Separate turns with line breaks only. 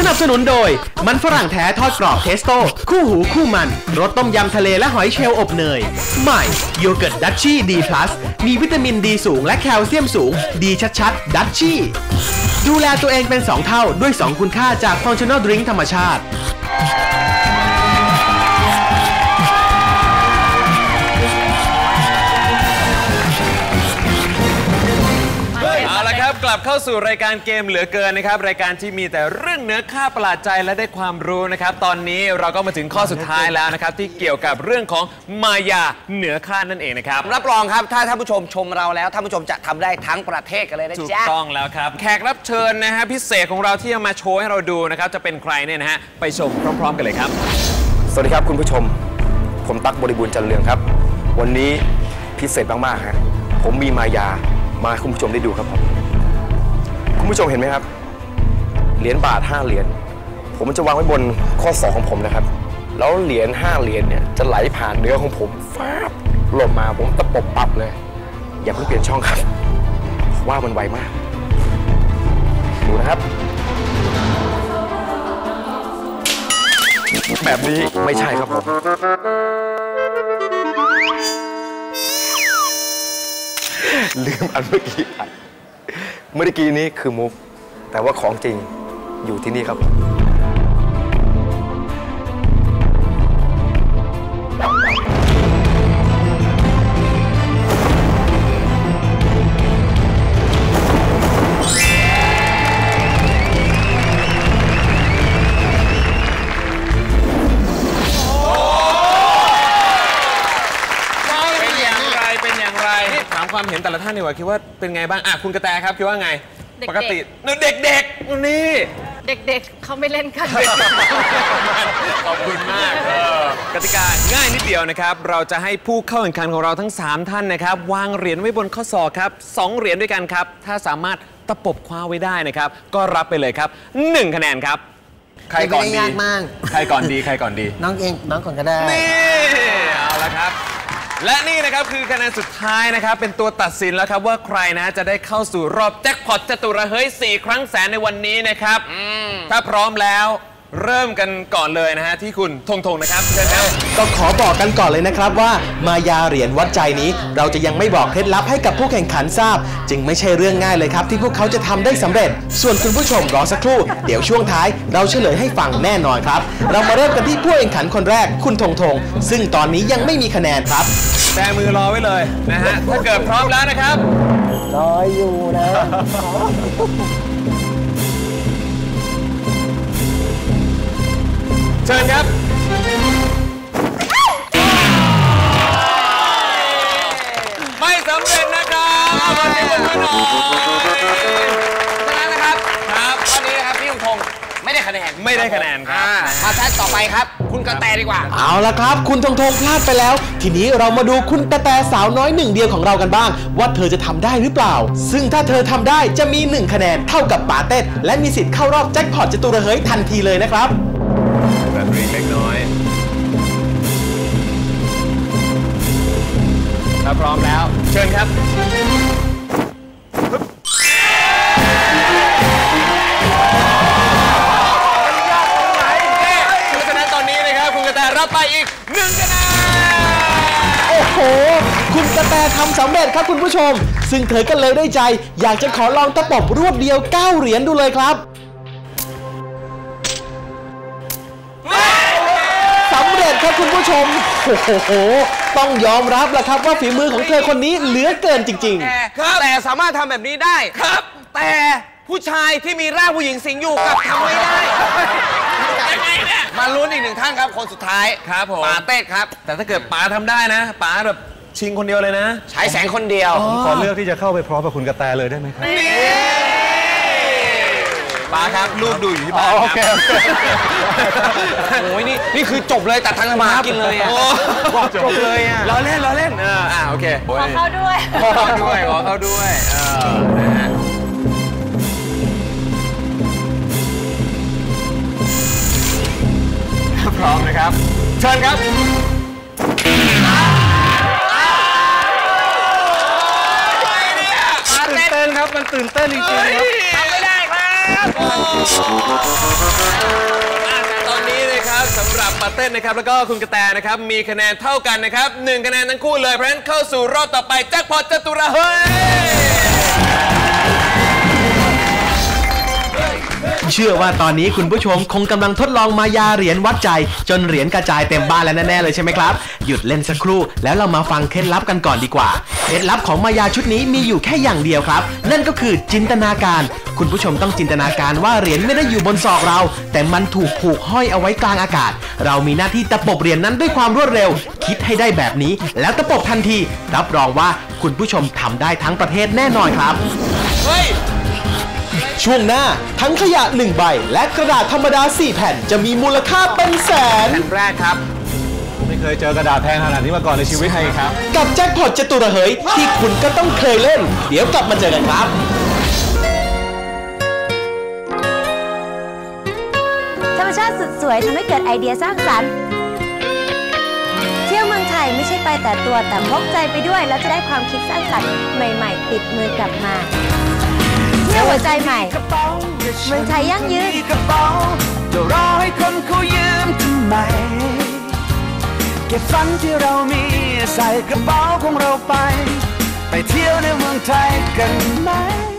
นับสนุนโดยมันฝรั่งแท้ทอดกรอบเทสโต้คู่หูคู่มันรสต้มยำทะเลและหอยเชลล์อบเนยใหม่โยเกิร์ตดัชชี่ดีพลัสมีวิตามินดีสูงและแคลเซียมสูงดีชัดๆดัชชี่ดูแลตัวเองเป็น2เท่าด้วย2คุณค่าจากฟังชั่นอลดริงก์ธรรมชาติ
กลับเข้าสู่รายการเกมเหลือเกินนะครับรายการที่มีแต่เรื่องเนื้อค่าประหลาดใจและได้ความรู้นะครับตอนนี้เราก็มาถึงข้อสุดท้ายแล้วนะครับที่เกี่ยวกับเรื่องของมายาเหนือคาดนั่นเองนะครับ
รับรองครับถ้าท่านผู้ชมชมเราแล้วท่านผู้ชมจะทำได้ทั้งประเทศกันเลยนะจ๊ะ
ถูกต้องแล้วครับแขกรับเชิญนะฮะพิเศษของเราที่จะมาโชว์ให้เราดูนะครับจะเป็นใครเนี่ยนะฮะไปชมพร้อมๆกันเลยครับ
สวัสดีครับคุณผู้ชมผมตั๊กบริบูรณ์จันเรืองครับวันนี้พิเศษมากๆฮะผมมีมายามาให้คุณผู้ชมได้ดูครับคุณผู้ชมเห็นไหมครับเหรียญบาท5เหรียญผมจะวางไว้บนข้อศอกของผมนะครับแล้วเหรียญ5เหรียญเนี่ยจะไหลผ่านเนื้อของผมฟาบหล่นมาผมตะปบปับเลยอย่าเพิ่งเปลี่ยนช่องครับว่ามันไวมากดูนะครับแบบนี้ไม่ใช่ครับผมลืมอันเมื่อกี้นี้คือมุกแต่ว่าของจริงอยู่ที่นี่ครับผม
ความเห็นแต่ละท่านดีกว่าคิดว่าเป็นไงบ้างคุณกระแตครับคิดว่าไงปกติเด็กๆนี่
เด็กๆเขาไม่เล่นกัน
ขอบคุณมากกติกาง่ายนิดเดียวนะครับเราจะให้ผู้เข้าแข่งขันของเราทั้ง3ท่านนะครับวางเหรียญไว้บนข้อศอกครับ2เหรียญด้วยกันครับถ้าสามารถตะปบคว้าไว้ได้นะครับก็รับไปเลยครับ1คะแนนครับใครก่อนดีใครก่อนดี
น้องก่อนก็ได้
นี่เอาละครับและนี่นะครับคือคะแนนสุดท้ายนะครับเป็นตัวตัดสินแล้วครับว่าใครนะจะได้เข้าสู่รอบแจ็คพอตจตุรเฮ้ย4 ครั้งแสนในวันนี้นะครับถ้าพร้อมแล้วเริ่มกันก่อนเลยนะฮะที่คุณธงนะครับเชิญครับ
ก็ขอบอกกันก่อนเลยนะครับว่ามายาเหรียญวัดใจนี้เราจะยังไม่บอกเคล็ดลับให้กับผู้แข่งขันทราบจึงไม่ใช่เรื่องง่ายเลยครับที่พวกเขาจะทำได้สำเร็จส่วนคุณผู้ชมรอสักครู่เดี๋ยวช่วงท้ายเราเฉลยให้ฟังแน่นอนครับเรามาเริ่มกันที่ผู้แข่งขันคนแรกคุณธงซึ่งตอนนี้ยังไม่มีคะแนนครับ
แบมือรอไว้เลยนะฮะถ้าเกิดพร้อมแล้วนะครับ
รออยู่นะ
เชิญครับไม่สำเร็จนะครับวันนี้คุณหน่อย
ฉะนั้นนะครับวันนี้นะครับพี่ธงไม่ได้คะแนน
ครับ
มาท่านต่อไปครับคุณกระแตดีกว่า
เอาละครับคุณธงพลาดไปแล้วทีนี้เรามาดูคุณกระแตสาวน้อย1 เดียวของเรากันบ้างว่าเธอจะทำได้หรือเปล่าซึ่งถ้าเธอทำได้จะมี1 คะแนนเท่ากับปาเต้และมีสิทธิ์เข้ารอบแจ็คพอตจตุรเฮ้ยทันทีเลยนะครับ
แบบเล็กน้อยถ้าพร้อมแล้วเชิญครับรับไปอีก1 คะแนน
โอ้โหคุณกระแตทำสำเร็จครับคุณผู้ชมซึ่งเธอก็เลยได้ใจอยากจะขอลองตะปบรวดเดียว9 เหรียญดูเลยครับสำเร็จครับคุณผู้ชมโอ้โหต้องยอมรับแหละครับว่าฝีมือของเธอคนนี้เหลือเกินจริง
ๆแต่สามารถทำแบบนี้ได้ครับแต่ผู้ชายที่มีร่างผู้หญิงสิงอยู่กับทำไม่ได้มาลุ้นอีก1 ท่านครับคนสุดท้าย
ครับผม
ป๋าเต้ครับ
แต่ถ้าเกิดป๋าทำได้นะป๋าแบบชิงคนเดียวเลยนะ
ใช้แสงคนเดียว
ผมขอเลือกที่จะเข้าไปพร้อมกับคุณกระแตเลยได้ไหมครับ
ป๋าครับลูกดูอยู่ที่บ้าน
โอเค
โอ้ยนี่คือจบเลยตัดทางมากินเลยอ่ะ
จบเลยอ่ะล้อเล่นโอเค
ขอเข้าด้วย
ขอเข้าด้วยนะฮะพร้อมนะครับเชิญครับ
ตื่นเต้นครับมันตื่นเต้นจริงๆครับ
ทำไม่ได้ครับ
ตอนนี้นะครับสำหรับปาเต้นนะครับแล้วก็คุณกระแตนะครับมีคะแนนเท่ากันนะครับ1คะแนนทั้งคู่เลยเพราะฉะนั้นเข้าสู่รอบต่อไปแจ็คพอตจตุระเฮ้ย
เชื่อว่าตอนนี้คุณผู้ชมคงกำลังทดลองมายาเหรียญวัดใจจนเหรียญกระจายเต็มบ้านแล้วแน่ๆเลยใช่ไหมครับหยุดเล่นสักครู่แล้วเรามาฟังเคล็ดลับกันก่อนดีกว่าเคล็ดลับของมายาชุดนี้มีอยู่แค่อย่างเดียวครับนั่นก็คือจินตนาการคุณผู้ชมต้องจินตนาการว่าเหรียญไม่ได้อยู่บนศอกเราแต่มันถูกผูกห้อยเอาไว้กลางอากาศเรามีหน้าที่ตะปบเหรียญนั้นด้วยความรวดเร็วคิดให้ได้แบบนี้แล้วตะปบทันทีรับรองว่าคุณผู้ชมทำได้ทั้งประเทศแน่นอนครับช่วงหน้าทั้งขยะ1ใบและกระดาษธรรมดา4แผ่นจะมีมูลค่าเป็นแสน
แผ่นแรกครับ
ไม่เคยเจอกระดาษแพงขนาดนี้มาก่อนในชีวิตเลยครับ
กับแจ็คพอตจตุระเหยที่คุณก็ต้องเคยเล่นเดี๋ยวกลับมาเจอกันครับ
ธรรมชาติสุดสวยทำให้เกิดไอเดียสร้างสรรค์เที่ยวเมืองไทยไม่ใช่ไปแต่ตัวแต่พกใจไปด้วยแล้วจะได้ความคิดสร้างสรรค์ใหม่ๆติดมือกลับมาเที่ยวหัวใจใหม่เมืองไทยยั่งยืนจะรอให้คนเขายืมทำไมเก็บฝันที่เรามีใส่กระเป๋าของเราไปเที่ยวในเมืองไทยกันไหม